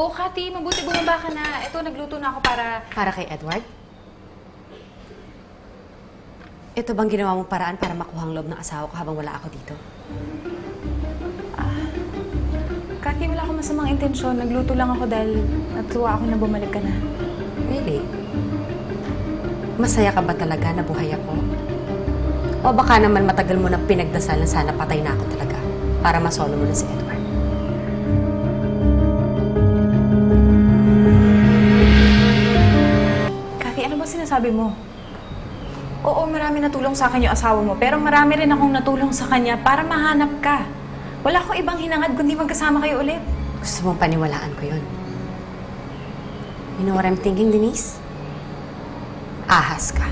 Oo, Kati, mabuti bumaba ka na. Ito, nagluto na ako para... Para kay Edward? Ito bang ginawa mong paraan para makuha ang loob ng asawa ko habang wala ako dito? Kati, wala akong masamang intensyon. Nagluto lang ako dahil natuwa ako na bumalik ka na. Really? Masaya ka ba talaga na buhay ako? O baka naman matagal mo na pinagdasal na sana patay na ako talaga para masolo mo na si Edward? Kati, ano ba sinasabi mo? Oo, marami natulong sa akin yung asawa mo, pero marami rin akong natulong sa kanya para mahanap ka. Wala akong ibang hinangad kundi magkasama kayo ulit. Gusto mong paniwalaan ko yun? You know what I'm thinking, Denise? Ahas ka.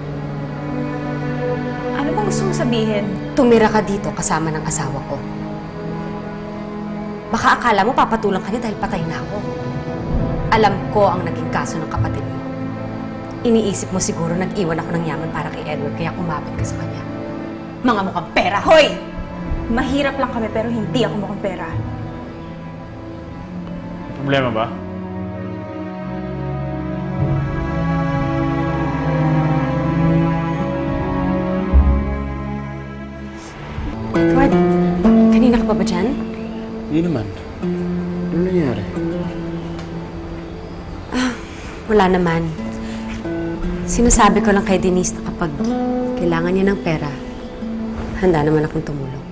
Ano bang gusto mong sabihin? Tumira ka dito kasama ng asawa ko. Baka akala mo papatulang ka niya dahil patay na ako. Alam ko ang naging kaso ng kapatid mo. Iniisip mo siguro nag-iwan ako ng yaman para kay Edward kaya kumapit ka sa kanya. Mga mukhang pera! Hoy! Mahirap lang kami pero hindi ako mukhang pera. May problema ba? Edward, kanina ka pa ba dyan? Hindi naman. Ano nangyari? Wala naman. Sinasabi ko lang kay Denise na kapag kailangan niya ng pera, handa naman akong tumulong.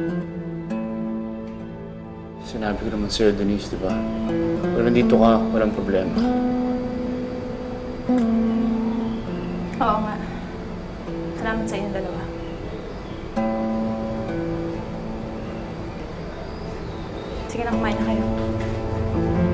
Sinabi ko naman sa'yo, Denise, di ba? Kung nandito ka, walang problema. Oo nga. Salamat sa inyong dalawa. Sige na, kumain na kayo.